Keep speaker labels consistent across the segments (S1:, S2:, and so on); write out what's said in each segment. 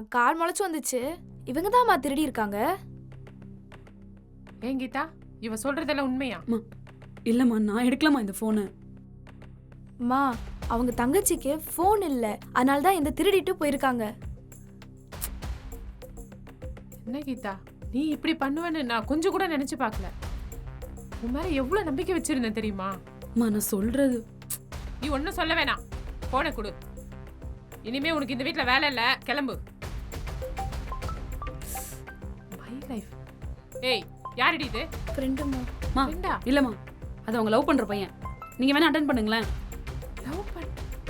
S1: கால் முளைச்சு வந்துச்சு. இவங்க தான்மா திருடி இருக்காங்க.
S2: ஏன் கீதா, இவ சொல்றதெல்லாம் உண்மையா?
S3: இல்லம்மா, நான் எடுக்கலாமா இந்த போனை?
S1: அம்மா, அவங்க தங்கச்சிக்கு ஃபோன் இல்ல, அதனால தான் இந்த திருடிட்டு போயிருக்காங்க.
S2: என்ன கீதா, நீ இப்படி பண்ணுவேன்னு நான் கொஞ்சம் கூட நினைச்சு பார்க்கல. உன் மேல எவ்வளவு நம்பிக்கை வச்சிருந்தேன் தெரியுமா?
S3: அம்மா, நான் சொல்றது.
S2: நீ ஒன்னும் சொல்ல வேணாம், போனை கொடு. இனிமே உனக்கு இந்த வீட்ல வேலை இல்ல, கிளம்பு. My life. ஏய், யாரடி இது?
S1: ஃப்ரெண்டுமா.
S3: மா,
S2: ஃப்ரெண்டா?
S3: இல்லம்மா, அது அவங்க லவ் பண்ற பையன். நீங்க வேணா அட்டென்ட் பண்ணுங்களேன்.
S2: லவ் பண்ண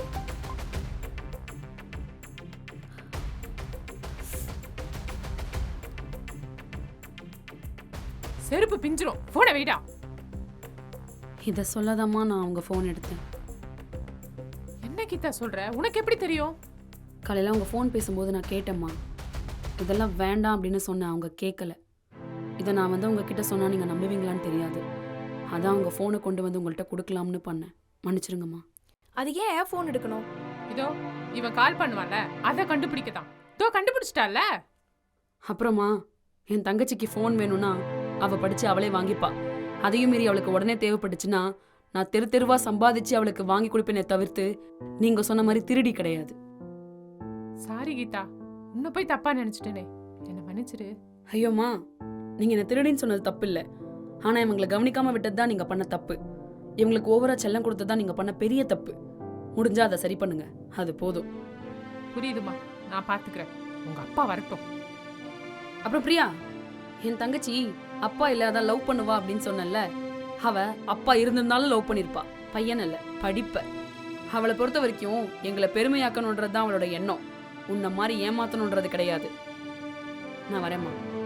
S2: செருப்பு பிஞ்சிரும். போனை வைடா.
S3: இத சொல்லதாம்மா நான் அவங்க போன் எடுத்தேன்.
S2: என்ன கீதா சொல்ற? உனக்கு எப்படி தெரியும்?
S3: காலையில அவங்க ஃபோன் பேசும்போது நான் கேட்டேம்மா. இதெல்லாம் வேண்டாம் அப்படின்னு சொன்னேன், அவங்க கேட்கல. இதை நான் வந்து உங்ககிட்ட சொன்னா நீங்க நம்புவீங்களான்னு தெரியாது. அதான் அவங்க ஃபோனை கொண்டு வந்து உங்கள்கிட்ட கொடுக்கலாம்னு பண்ணேன். மன்னிச்சிருங்கம்மா.
S1: அது ஏன் ஃபோன் எடுக்கணும்?
S2: இதோ இவன் கால் பண்ணுவான்ல, அதை கண்டுபிடிக்கதான். இதோ கண்டுபிடிச்சிட்டால.
S3: அப்புறமா என் தங்கச்சிக்கு ஃபோன் வேணும்னா அவள் படித்து அவளே வாங்கிப்பா. அதையும் மீறி அவளுக்கு உடனே தேவைப்பட்டுச்சுன்னா நான் தெரு தெருவா சம்பாதிச்சு அவளுக்கு வாங்கி கொடுப்பேனே தவிர்த்து நீங்கள் சொன்ன மாதிரி திருடி கிடையாது.
S2: சாரி கீதா, உன்னை போய் தப்பா நினைச்சிட்டேனே, என்ன மன்னிச்சிரு.
S3: ஐயோம்மா, நீங்கள் என்ன திருடின்னு சொன்னது தப்பு இல்லை. ஆனால் இவங்களை கவனிக்காமல் விட்டது தான் நீங்கள் பண்ண தப்பு. இவங்களுக்கு ஓவரா செல்லம் கொடுத்தது தான் நீங்கள் பண்ண பெரிய தப்பு. முடிஞ்சா அதை சரி பண்ணுங்க, அது போதும்.
S2: புரியுதுமா, நான் பாத்துக்கிறேன். உங்க அப்பா வரட்டும்.
S3: அப்புறம் பிரியா, என் தங்கச்சி அப்பா இல்லாத லவ் பண்ணுவா அப்படின்னு சொன்னல. அவ அப்பா இருந்திருந்தாலும் லவ் பண்ணிருப்பா, பையன் இல்ல படிப்ப. அவளை பொறுத்த வரைக்கும் எங்களை பெருமையாக்கணுன்றது தான் அவளோட எண்ணம். உன்ன மாதிரி ஏமாத்தணுன்றது கிடையாது. நான் வரேம்மா.